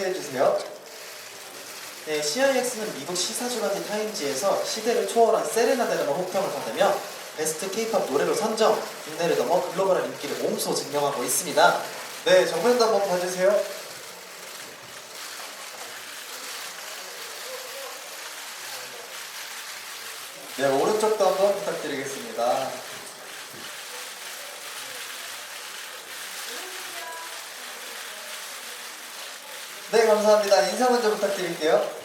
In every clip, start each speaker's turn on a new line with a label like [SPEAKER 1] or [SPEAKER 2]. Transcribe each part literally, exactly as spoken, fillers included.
[SPEAKER 1] 해주세요. 네, 씨아이엑스는 미국 시사주간지 타임지에서 시대를 초월한 세레나데라는 호평을 받으며 베스트 K-팝 노래로 선정, 국내를 넘어 글로벌한 인기를 몸소 증명하고 있습니다. 네, 정면도 한번 봐주세요. 네, 오른쪽도 한번 부탁드리겠습니다. 네, 감사합니다. 인사 먼저 부탁드릴게요.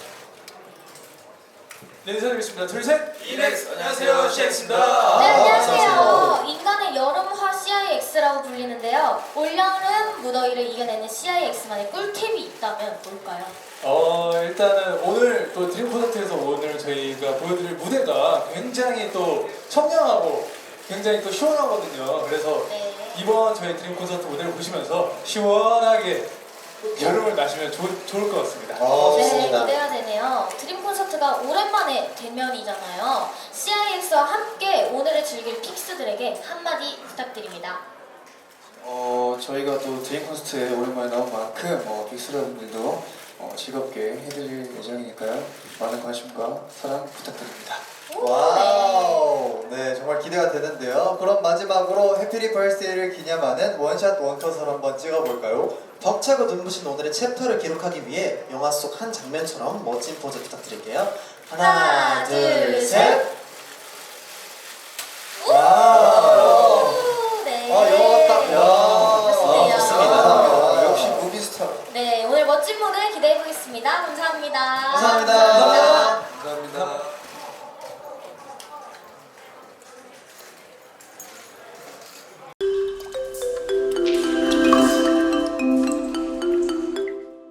[SPEAKER 2] 네, 인사드리겠습니다. 둘, 셋!
[SPEAKER 3] 이넥스! 안녕하세요, 씨엑스입니다.
[SPEAKER 4] 네,
[SPEAKER 1] 안녕하세요.
[SPEAKER 4] 안녕하세요. 인간의 여름화 씨아이엑스라고 불리는데요. 올여름 무더위를 이겨내는 씨아이엑스만의 꿀팁이 있다면 뭘까요?
[SPEAKER 2] 어, 일단은 오늘 또 드림 콘서트에서 오늘 저희가 보여드릴 무대가 굉장히 또 청량하고 굉장히 또 시원하거든요. 그래서
[SPEAKER 4] 네.
[SPEAKER 2] 이번 저희 드림 콘서트 무대를 보시면서 시원하게 여름을 나시면 좋, 좋을 것 같습니다.
[SPEAKER 1] 어,
[SPEAKER 4] 네,
[SPEAKER 1] 좋습니다.
[SPEAKER 4] 기대가 되네요. 드림 콘서트가 오랜만에 대면이잖아요. 씨아이엑스와 함께 오늘을 즐길 픽스들에게 한마디 부탁드립니다.
[SPEAKER 5] 어, 저희가 또 드림 콘서트에 오랜만에 나온 만큼 어, 빅스 여러분들도 어, 즐겁게 해드릴 예정이니까요. 많은 관심과 사랑 부탁드립니다.
[SPEAKER 4] 오,
[SPEAKER 1] 와우, 네, 정말 기대가 되는데요. 그럼 마지막으로 해피리 벌스데이를 기념하는 원샷 원컷을 한번 찍어볼까요? 벅차고 눈부신 오늘의 챕터를 기록하기 위해 영화 속 한 장면처럼 멋진 포즈 부탁드릴게요. 하나,
[SPEAKER 4] 하나,
[SPEAKER 1] 둘,
[SPEAKER 4] 둘,
[SPEAKER 1] 셋.